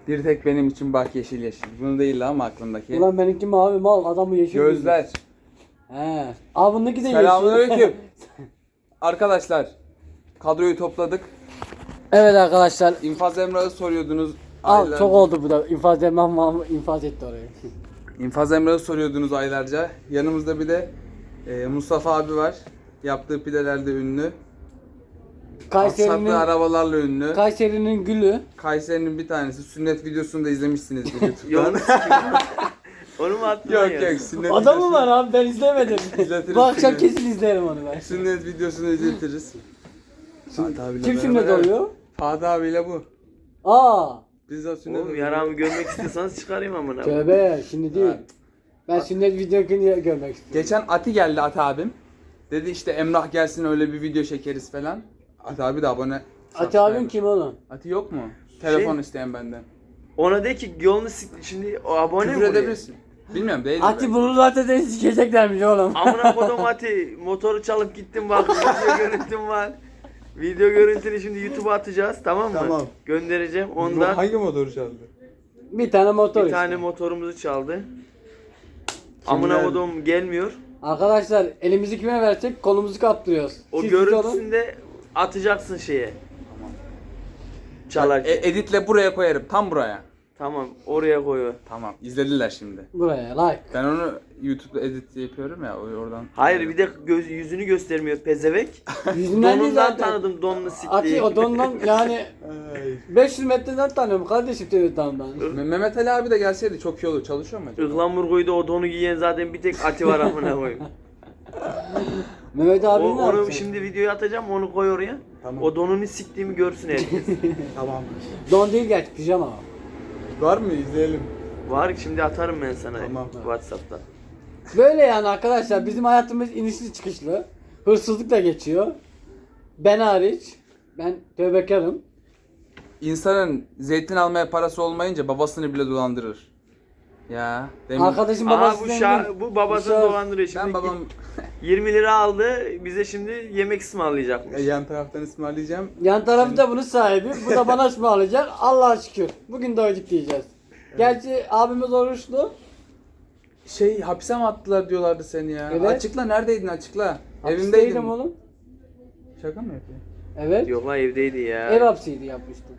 Bir tek benim için bak yeşil yeşil. Bunu değil ama aklımdaki. Ulan benimki mavi mal, adamı yeşil. Gözler. He. Abi bundaki de yeşil. Selamünaleyküm. Arkadaşlar kadroyu topladık. Evet arkadaşlar. İnfaz Emrah'ı soruyordunuz. Al aylarca. çok oldu bu da. İnfaz demem infaz etti orayı. İnfaz Emrah'ı soruyordunuz aylarca. Yanımızda bir de Mustafa abi var. Yaptığı pidelerde ünlü. Sattığı arabalarla ünlü. Kayseri'nin gülü. Kayseri'nin bir tanesi. Sünnet videosunu da izlemişsinizdir YouTube'dan. Yolunu Onu mu attın? Yok yok sünnet Adamı videosu- var abi, ben izlemedim. İzletiriz Bu akşam seni. kesin izlerim onu ben. Sünnet videosunu izletiriz. Fatih abiyle Kim beraber- sünnet oluyor? Fatih abiyle bu. Aa. Biz de sünnet Oğlum yaramı görmek istiyorsanız çıkarayım amına. Tövbe şimdi değil. Ben sünnet videosunu görmek istiyorum. Geçen Ati geldi Ati abim. Dedi işte Emrah gelsin öyle bir video çekeriz falan. Ati abi de abone. Ati abim kim oğlum? Ati yok mu? Telefon isteyen benden. Ona de ki yolunu şimdi o abone mi Küfür oluyor? edebilirsin. Bilmiyorum değil. Ati bunu zaten seni sikeceklermiş oğlum. Amına kodum Ati motoru çalıp gittim bak video görüntüm var. Video görüntünü şimdi YouTube'a atacağız tamam mı? Tamam. Göndereceğim ondan. Hangi motoru çaldı? Bir tane motor Bir işte. tane motorumuzu çaldı. Amına kodum gelmiyor. Arkadaşlar elimizi kime versek kolumuzu kaptırıyoruz. O Siz olun. görüntüsünü de atacaksın şeye. Çalarken. Editle buraya koyarım. Tam buraya. Tamam oraya koy. Tamam. İzlediler şimdi. Buraya like. Ben onu YouTube'da edit yapıyorum ya oradan. Hayır bir de yüzünü göstermiyor pezevek. Yüzünden değil Donundan zaten. tanıdım donunu siktiği. Ati o dondan yani Ay. 500 metreden tanıyorum kardeşim televizyondan. Mehmet Ali abi de gelseydi çok iyi olur. Çalışıyor mu acaba? Ihlamur koydu o donu giyen zaten bir tek Ati var amına koyayım. Mehmet abi ne Onu yapacak? şimdi videoya atacağım onu koy oraya. Tamam. O donunu siktiğimi görsün herkes. Tamam. Don değil gerçi pijama. Var mı? İzleyelim. Var şimdi atarım ben sana Tamam. WhatsApp'ta. Böyle yani arkadaşlar bizim hayatımız inişli çıkışlı. Hırsızlık da geçiyor. Ben hariç. Ben tövbekarım. İnsanın zeytin almaya parası olmayınca babasını bile dolandırır. Ya. Demin Arkadaşım Aha babası bu zengin. bu babasını Şah- dolandırıyor şimdi. ben babam 20 lira aldı bize şimdi yemek ısmarlayacakmış. yan taraftan ısmarlayacağım. Yan tarafı da bunun sahibi. Bu da bana ısmarlayacak. Allah'a şükür. Bugün doyduk diyeceğiz. Gerçi abimiz oruçlu. Hapse mi attılar diyorlardı seni ya. Evet. Açıkla neredeydin açıkla. Evimdeydin. Hapisteydim oğlum. Şaka mı yapıyorsun? Evet. Yok lan evdeydi ya. Ev hapsiydi yapmıştım.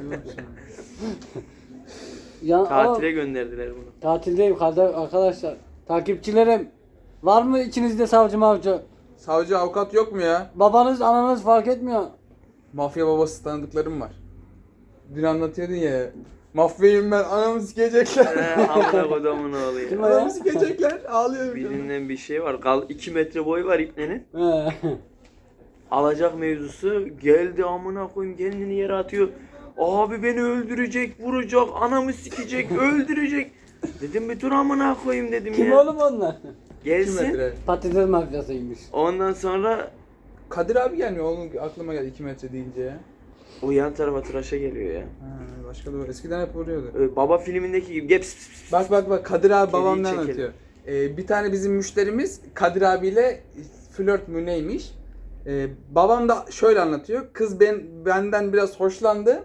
Ya, Tatile gönderdiler bunu. tatildeyim arkadaşlar. Takipçilerim. Var mı içinizde savcı mavcı? Savcı avukat yok mu ya? Babanız ananız fark etmiyor. Mafya babası tanıdıklarım var. Dün anlatıyordun ya. Mafyayım ben anamı sikecekler. Amına kodumun oğlu Kim ya. o ya? Anamı sikecekler. Ağlıyorum. Birinden bir şey var. 2 metre boyu var ipnenin. He. Alacak mevzusu geldi amına koyayım kendini yere atıyor. Abi beni öldürecek, vuracak, anamı sikecek, öldürecek. Dedim bir dur amına koyayım dedim Kim ya. oğlum onlar? 2 Gelsin. metre. Patates mafyasıymış. Ondan sonra Kadir abi gelmiyor. Onun aklıma geldi 2 metre deyince ya. o yan tarafa tıraşa geliyor ya. Ha, başka da var. Eskiden hep vuruyordu. Baba filmindeki gibi geps pis pis. Bak Kadir abi Kediyi babam ne çekelim. anlatıyor. Bir tane bizim müşterimiz Kadir abiyle flört mü neymiş? Babam da şöyle anlatıyor. Kız benden biraz hoşlandı.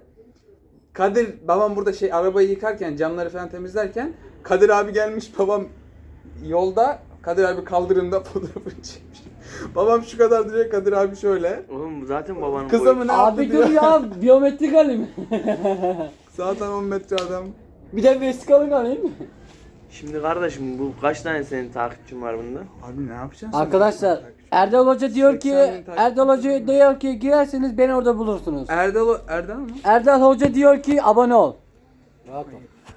Babam burada arabayı yıkarken camları falan temizlerken Kadir abi gelmiş, babam yolda, Kadir abi kaldırımda fotoğrafını çekmiş. Babam şu kadar duruyor, Kadir abi şöyle. Oğlum zaten babanın Kıza boyu. mı ne yaptı Abi diyor. dur ya, biyometrik alayım. Zaten 10 metre adam. Bir de vesikalık alayım. Şimdi kardeşim bu kaç tane senin takipçin var bunda? Abi ne yapacaksın sen? Arkadaşlar Erdal Hoca diyor ki 80 bin takipçi Erdal Hoca diyor ki girerseniz beni orada bulursunuz. Erdal mı? Erdal Hoca diyor ki abone ol. Rahat ol.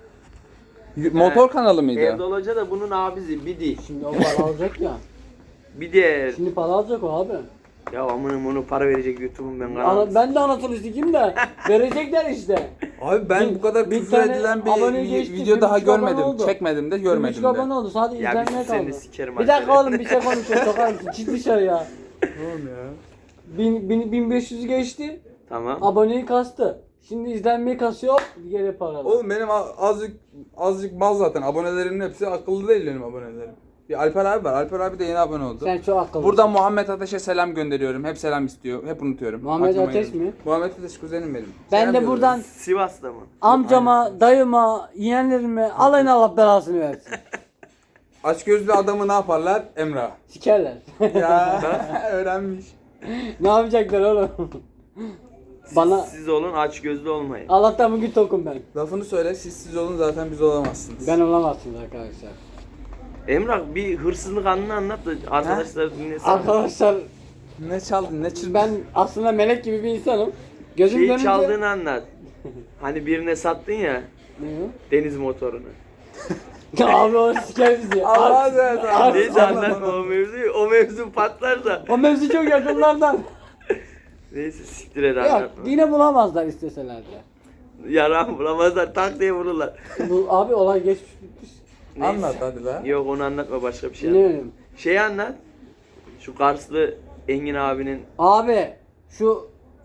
Motor kanalı mıydı? Erdal Hoca da bunun abisi Bidi. Şimdi o para alacak ya. Bidi. Şimdi para alacak o abi. Ya amınım onu para verecek YouTube'un ben kanalı. Ben de anasını sikeyim de verecekler işte. Abi ben bu kadar bir küfür tane edilen abone bir geçti, video bir daha buçuk abone görmedim. oldu. Çekmedim de Bir görmedim buçuk de. abone oldu sadece Ya bir izlenmeye seni kaldı. sikerim Bir dakika arkadaşlar. oğlum bir şey konuşuyor sokar mısın? Çık dışarı ya. Oğlum ya. 1500 geçti. Tamam. Aboneyi kastı. Şimdi izlenmeyi kasıyor hop bir yere para. Oğlum benim azıcık mal zaten. Abonelerimin hepsi akıllı değil benim abonelerim. Bir Alper abi var. Alper abi de yeni abone oldu. Sen çok akıllısın. Buradan Muhammed Ateş'e selam gönderiyorum. Hep selam istiyor. Hep unutuyorum. Muhammed Aklıma Ateş geldi. mi? Muhammed Ateş kuzenim benim. Ben Selam de yolluyorum. buradan Sivas'ta mı? amcama, dayıma, yeğenlerime alayına Allah belasını versin. Açgözlü adamı ne yaparlar? Emrah. Sikerler. Ya öğrenmiş. Ne yapacaklar oğlum? Bana Siz olun, aç gözlü olmayın. Allah'tan bugün tokum ben. Lafını söyle. Siz olun zaten biz olamazsınız. Ben olamazsınız arkadaşlar. Emrah bir hırsızlık anını anlat da arkadaşlar dinlesin. Arkadaşlar Ne çaldın? Ne çırdın? ben aslında melek gibi bir insanım. Gözüm Şeyi dönünce... çaldığını anlat. Hani birine sattın ya Ne deniz motorunu. o? Abi o siker bizi. Allah Abi- razı olsun. Neyse anlatma o mevzuyu. O mevzu patlarsa. O mevzu çok yakınlardan. Neyse siktir et Yok anlatma. yine bulamazlar isteseler de. Yaran bulamazlar tak diye vururlar. Bu, abi olay geçmiş bitmiş. Neyse. Anlat hadi be. Yok onu anlatma başka bir şey Ne anlat. bileyim. Şeyi anlat. Şu Karslı Engin abinin Abi şu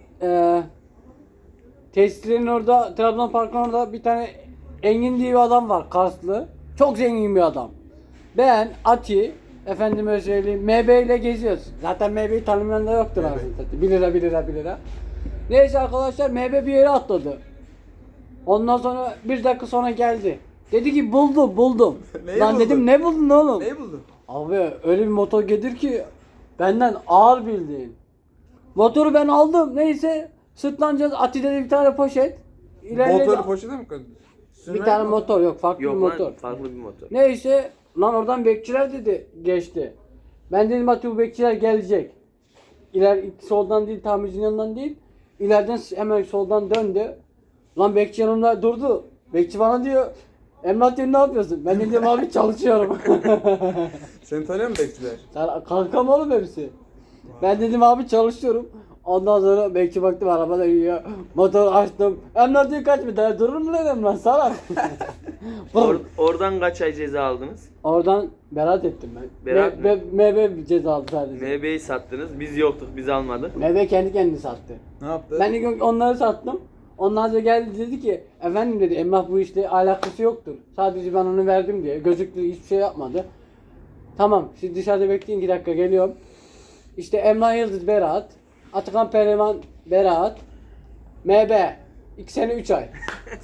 tesislerin orada Trabzon Parkı'nın orada bir tane Engin diye bir adam var Karslı. Çok zengin bir adam. Ben Ati efendime söyleyeyim MB ile geziyoruz. Zaten MB'yi tanımayan da yoktur aslında. 1 lira 1 lira 1 lira. Neyse arkadaşlar MB bir yere atladı. Ondan sonra bir dakika sonra geldi. Dedi ki buldum. Neyi Lan buldun? dedim ne buldun oğlum? Neyi buldun? Abi öyle bir motor getir ki benden ağır bildiğin. Motoru ben aldım. Neyse sırtlanacağız. Ati'de bir tane poşet. İlerledi. Motoru poşete mi koydun? Bir tane motor yok. Farklı yok bir lan motor. farklı bir motor. Neyse lan oradan bekçiler dedi geçti. Ben dedim Ati bu bekçiler gelecek. Soldan değil tamircinin yanından değil. İleriden hemen soldan döndü. Lan bekçi yanımda durdu. Bekçi bana diyor Emrah diyor ne yapıyorsun? Ben de diyorum abi çalışıyorum. Seni tanıyor mu bekçiler? Sen kankam oğlum hepsi. Ben dedim abi çalışıyorum. Ondan sonra bekçi baktım arabada yiyor. Motor açtım. Emrah diyor kaç bir tane durur mu lan Emrah salak. Oradan kaç ay ceza aldınız? Oradan beraat ettim ben. Beraat mı? MB ceza aldı sadece. MB'yi sattınız. Biz yoktuk. Biz almadık. MB kendi kendini sattı. Ne yaptı? Ben ilk gün onları sattım. Ondan sonra geldi dedi ki efendim dedi Emrah bu işte alakası yoktur. Sadece ben onu verdim diye. Gözüktü hiçbir şey yapmadı. Tamam siz dışarıda bekleyin 2 dakika geliyorum. İşte Emrah Yıldız beraat. Atakan Pehlivan beraat. MB 2 sene 3 ay.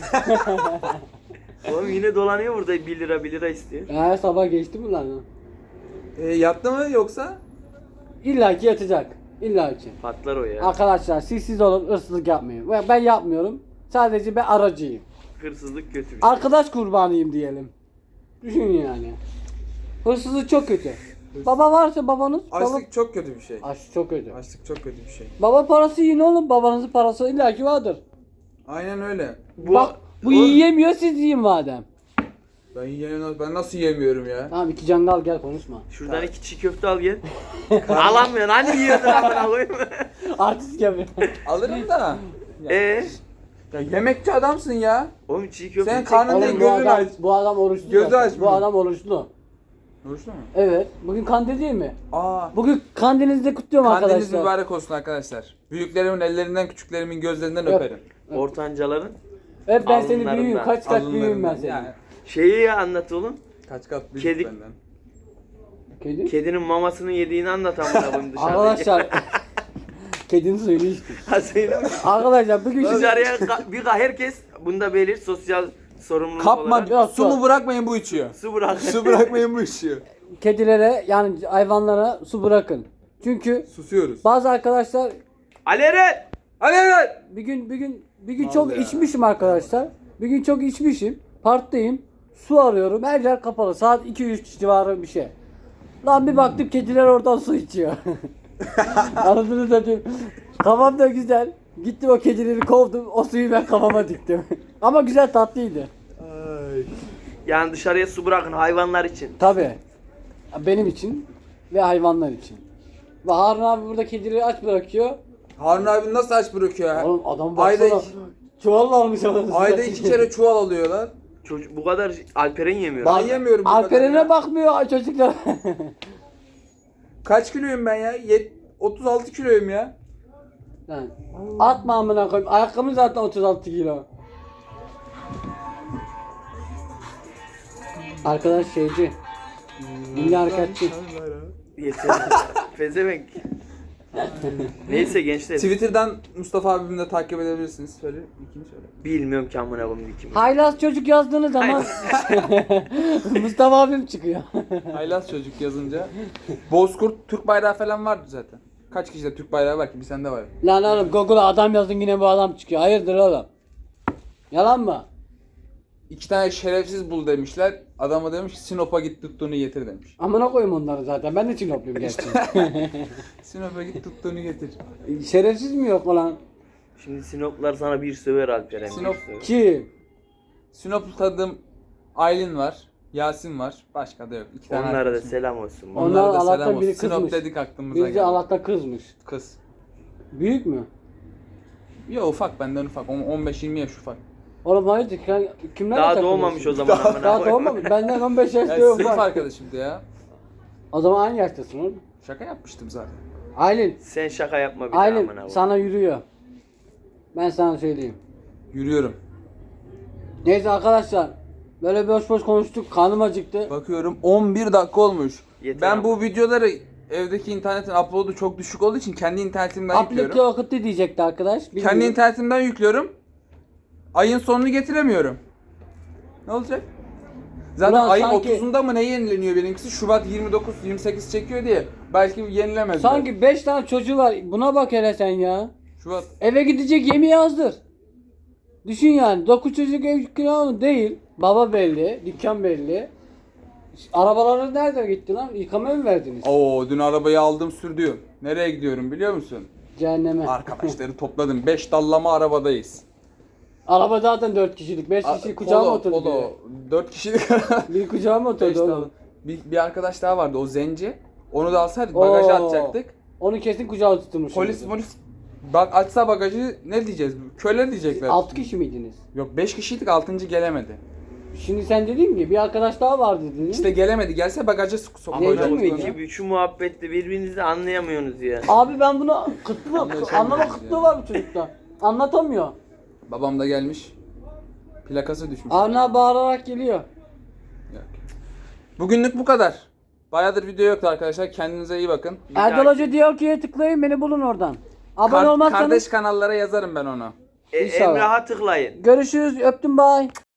Oğlum yine dolanıyor burada 1 lira 1 lira istiyor. Her sabah geçti mi lan? Yattı mı yoksa? İlla ki yatacak. İlla ki. Patlar o ya. Arkadaşlar siz olun hırsızlık yapmayın. Ben yapmıyorum. Sadece ben aracıyım. Hırsızlık kötü bir şey. Arkadaş kurbanıyım diyelim. Düşün yani. Hırsızlık çok kötü. Baba varsa babanız. Açlık çok kötü bir şey. Açlık çok kötü. Açlık çok kötü bir şey. Baba parası yiyin oğlum. Babanızın parası illaki vardır. Aynen öyle. Bak bu yiyemiyor siz yiyin madem. Ben nasıl yemiyorum ya? Tamam 2 cangal gel konuşma. Şuradan 2 çiğ köfte al gel. Alamıyorsun hani yiyordun amına koyayım. Artist yapıyor. Alırım da. Ya yemekçi adamsın ya. Oğlum çiğ köfte Sen çek- karnın Oğlum, ne bu gözün adam, aç. bu adam oruçlu. Gözü zaten. aç Bu bunu. adam oruçlu. Oruçlu mu? Evet. Bugün kandil değil mi? Aa. Bugün kandilinizi de kutluyorum Kandiliniz arkadaşlar. mübarek olsun arkadaşlar. Büyüklerimin ellerinden, küçüklerimin gözlerinden Öp. öperim. Ortancaların Hep ben seni Alınlarından, büyüğüm. Kaç kat büyüğüm ben Alınlarından. seni. Yani şeyi ya anlat oğlum. kaç kat büyük Kedi- benden. Kedi? Kedinin mamasını yediğini anlat amına koyayım dışarıda. Arkadaşlar. Kedinin suyunu içtim. Ha söyle mi? Arkadaşlar bugün size... Dışarıya herkes bunda belir sosyal sorumluluk Kapma, olarak Yok, su mu bırakmayın bu içiyor. su bırak. Su bırakmayın bu içiyor. kedilere yani hayvanlara su bırakın. Çünkü Susuyoruz. bazı arkadaşlar Ali Eren! Hadi evet. bir gün çok Vallahi içmişim arkadaşlar. Bir gün çok içmişim. Parktayım. Su arıyorum. Her yer kapalı. Saat 2-3 civarı bir şey. Lan bir baktım kediler oradan su içiyor. Anladınız satayım. Kafam da güzel. Gittim o kedileri kovdum. O suyu ben kafama diktim. Ama güzel tatlıydı. Ay. Yani dışarıya su bırakın hayvanlar için. Tabii. Benim için ve hayvanlar için. Ve Harun abi burada kedileri aç bırakıyor. Harun abi nasıl aç bırakıyor ha? Oğlum adam Ayda baksana. iki- Çuval almış ama. Ayda 2 kere çuval alıyorlar. Çocuk bu kadar Alperen yemiyor. Ben yemiyorum bu kadar Alperen'e ya. bakmıyor çocuklar. Kaç kiloyum ben ya? 36 kiloyum ya. Lan atma amına koyayım. Ayakkabım zaten 36 kilo. Arkadaş şeyci. Dünya hareketçi. Yeter. Pezevenk. Neyse gençler. Twitter'dan Mustafa abimi de takip edebilirsiniz. Söyle, ikini söyle. Bilmiyorum ki amına koyayım kim. Haylaz çocuk yazdığınız zaman Mustafa abim çıkıyor. Haylaz çocuk yazınca. Bozkurt Türk bayrağı falan vardı zaten. Kaç kişide Türk bayrağı var ki? Bir sende var. Lan oğlum Google'a adam yazdın yine bu adam çıkıyor. Hayırdır oğlum? Yalan mı? 2 tane şerefsiz bul demişler. Adama demiş ki Sinop'a git tuttuğunu getir demiş. Amına koyayım onları zaten. Ben de Çinopluyum gerçi. Sinop'a git tuttuğunu getir. Şerefsiz mi yok olan? Şimdi Sinoplar sana bir söver Alperen. Sinop- bir söver. Kim? Sinop'lu tanıdığım Aylin var. Yasin var. Başka da yok. 2 tane Onlara da arkadaşım. selam olsun. Onlar Onlara da Allah'tan selam biri olsun. Sinop kızmış. dedik aklımıza Birisi geldi. Allah'tan kızmış. Kız. Büyük mü? Yo ufak, benden ufak. 15-20 yaş ufak. Oğlum hayırdır? Kimlerle Daha takılıyorsun? doğmamış o zaman amına Daha koyayım. doğmamış. Benden 15 yaş Ya diyor sınıf ufak. arkadaşımdı ya. O zaman aynı yaştasın oğlum. Şaka yapmıştım zaten. Aylin. Sen şaka yapma bir daha Aylin amına koyayım. sana yürüyor. Ben sana söyleyeyim. Yürüyorum. Neyse arkadaşlar. Böyle boş boş konuştuk. Karnım acıktı. Bakıyorum 11 dakika olmuş. Yeter Ben ama. bu videoları evdeki internetin upload'u çok düşük olduğu için kendi internetimden Aplikle yüklüyorum. okuttı diyecekti arkadaş. Kendi Bilmiyorum. internetimden yüklüyorum. Ayın sonunu getiremiyorum. Ne olacak? Zaten Ulan ayın sanki- 30'unda mı ne yenileniyor benimkisi? Şubat 29-28 çekiyor diye. Belki yenilemez. Sanki 5 tane çocuğu var. Buna bak hele sen ya. Şubat. Eve gidecek yemeği hazır. Düşün yani. 9 çocuk ev kiralı değil. Baba belli. Dükkan belli. Arabaları nerede gitti lan? Yıkamaya mı verdiniz? Oo, dün arabayı aldım sürdüm. Nereye gidiyorum biliyor musun? Cehenneme. Arkadaşları topladım. 5 dallama arabadayız. Araba zaten 4 kişilik. 5 kişi kucağıma oturdu. Polo. 4 kişilik. Bir kucağıma Beş oturdu dal- oğlum. bir arkadaş daha vardı, o zenci. Onu da alsaydık bagaja Oo. atacaktık. Onu kesin kucağa tutmuş. Polis bak açsa bagajı ne diyeceğiz? Köle diyecekler. 6 kişi miydiniz? Yok 5 kişiydik, 6. gelemedi. Şimdi sen dedin ki bir arkadaş daha vardı dedin. İşte gelemedi. Gelse bagaja Ama Zengin koyacaktık. miydi? onu. şu muhabbette birbirinizi anlayamıyorsunuz ya. Abi ben bunu kıtlığı, Anlaşamıyoruz anlama ya. kıtlığı var bu çocukta. Anlatamıyor. Babam da gelmiş. Plakası düşmüş. Ana bağırarak geliyor. Yok. Bugünlük bu kadar. Bayağıdır video yoktu arkadaşlar. Kendinize iyi bakın. Bir Erdal dahaki- Hoca diyor ki tıklayın beni bulun oradan. Abone olmazsanız Kardeş kanallara yazarım ben onu. İnşallah. Emrah'a tıklayın. görüşürüz öptüm bay.